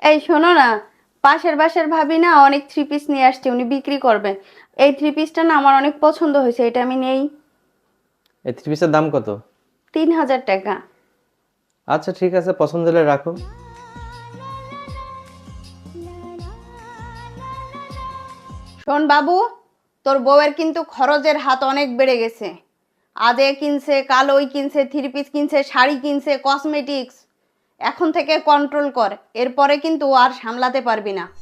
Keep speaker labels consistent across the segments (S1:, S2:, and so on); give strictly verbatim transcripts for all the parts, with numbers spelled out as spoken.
S1: এই শোনো না, পাশের বাসার ভাবি না অনেক থ্রি পিস নিয়ে আসছে, উনি বিক্রি করবেন। এই থ্রি পিসটা না আমার অনেক পছন্দ হয়েছে, এটা আমি নেই।
S2: এই থ্রি পিসের দাম কত?
S1: তিন হাজার টাকা।
S2: আচ্ছা ঠিক আছে, পছন্দ হলে রাখো।
S1: শোন বাবু, তোর বউয়ের কিন্তু খরচের হাত অনেক বেড়ে গেছে। আজ এ কিনছে, কাল ওই কিনছে, থ্রি পিস কিনছে, শাড়ি কিনছে, কসমেটিক্স। এখন থেকে কন্ট্রোল কর, এরপরে কিন্তু আর সামলাতে পারবি না।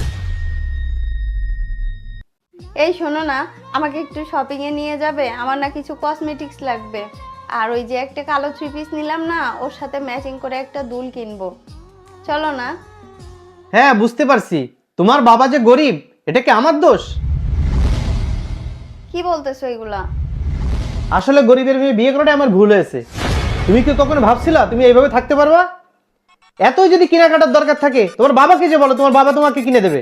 S1: এই শোনো না, আমাকে একটু শপিং এ নিয়ে যাবে, আমার না কিছু কসমেটিক্স লাগবে। আর ওই যে একটা কালো থ্রি পিস নিলাম না, ওর সাথে ম্যাচিং করে একটা দুল কিনবো। চলো না।
S2: হ্যাঁ বুঝতে পারছি, তোমার বাবা যে গরিব, এটা কি আমার দোষ?
S1: কি বলতেছো এগুলা?
S2: আসলে গরিবের মেয়ে বিয়ে করাটা আমার ভুল হয়েছে। তুমি কি কখনো ভাবছিলা তুমি এইভাবে থাকতে পারবা? এতই যদি কেনাকাটার দরকার থাকে তোমার বাবাকে যে বলো, তোমার বাবা তোমাকে কিনে দেবে।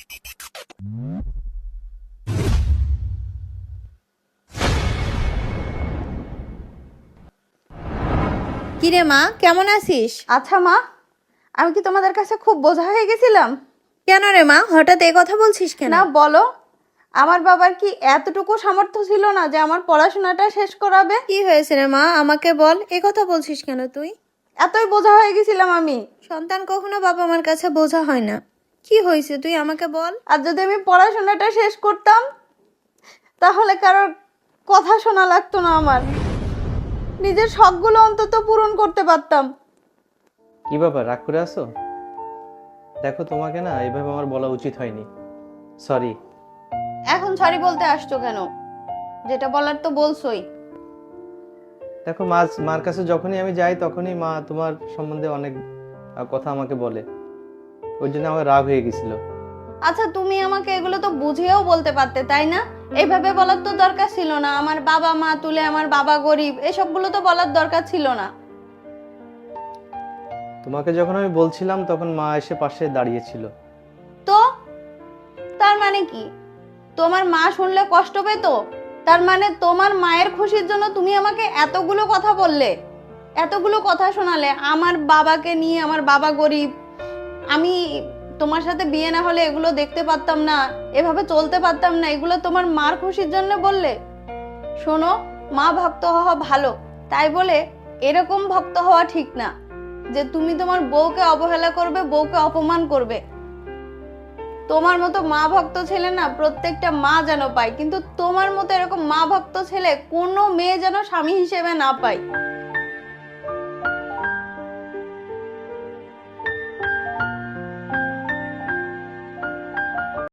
S3: কিরে মা, কেমন আছিস?
S1: আচ্ছা মা, আমি কি তোমাদের কাছে খুব বোঝা হয়ে গেছিলাম?
S3: কেন রে মা, হঠাৎ এই কথা বলছিস কেন?
S1: না বলো, আমার বাবার কি এতটুকু সামর্থ্য ছিল না যে আমার পড়াশোনাটা শেষ করাবে?
S3: কি হয়েছে রে মা, আমাকে বল। এই কথা বলছিস কেন তুই?
S1: এতই বোঝা হয়ে গেছিলাম আমি।
S3: সন্তান কখনো বাবা মার কাছে বোঝা হয় না। কি হয়েছে তুই আমাকে বল।
S1: আর যদি আমি পড়াশোনাটা শেষ করতাম, তাহলে কারোর কথা শোনা লাগতো না আমার। নিজের শখগুলো অন্তত পূরণ করতে পারতাম।
S2: কি ব্যাপার, রাগ করে আছো? দেখো, তোমাকে না এইভাবে আমার বলা উচিত হয়নি। সরি।
S1: এখন সরি বলতে আসছো কেন? যেটা বলার তো বলছোই।
S2: দেখো, মা মার কাছে যখনই আমি যাই তখনই মা তোমার সম্বন্ধে অনেক আহ, কথা আমাকে বলে। ওই জন্য আমার রাগ হয়ে গেছিল।
S1: আচ্ছা, তুমি আমাকে এগুলো তো বুঝিয়েও বলতে পারতে, তাই না? এইভাবে বলার তো দরকার ছিল না। আমার বাবা মা তুলে, আমার বাবা গরিব, এসবগুলো তো বলার দরকার ছিল না।
S2: তোমাকে যখন আমি বলছিলাম তখন মা এসে পাশে দাঁড়িয়েছিল।
S1: তো তার মানে কি? তোমার মা শুনলে কষ্ট পেতো? তার মানে তোমার মায়ের খুশির জন্য তুমি আমাকে এতগুলো কথা বললে, এতগুলো কথা শোনালে। আমার বাবাকে নিয়ে, আমার বাবা গরিব, আমি তোমার সাথে বিয়ে না হলে এগুলো দেখতে পারতাম না, এভাবে চলতে পারতাম না, এগুলো তোমার মার খুশির জন্য বললে? শোনো, মা ভক্ত হওয়া ভালো, তাই বলে এরকম ভক্ত হওয়া ঠিক না যে তুমি তোমার বউকে অবহেলা করবে, বউকে অপমান করবে। তোমার মতো মা ভক্ত ছেলে না প্রত্যেকটা মা যেন পায়, কিন্তু তোমার মতো এরকম মা ভক্ত ছেলে কোনো মেয়ে যেন স্বামী হিসেবে না পায়।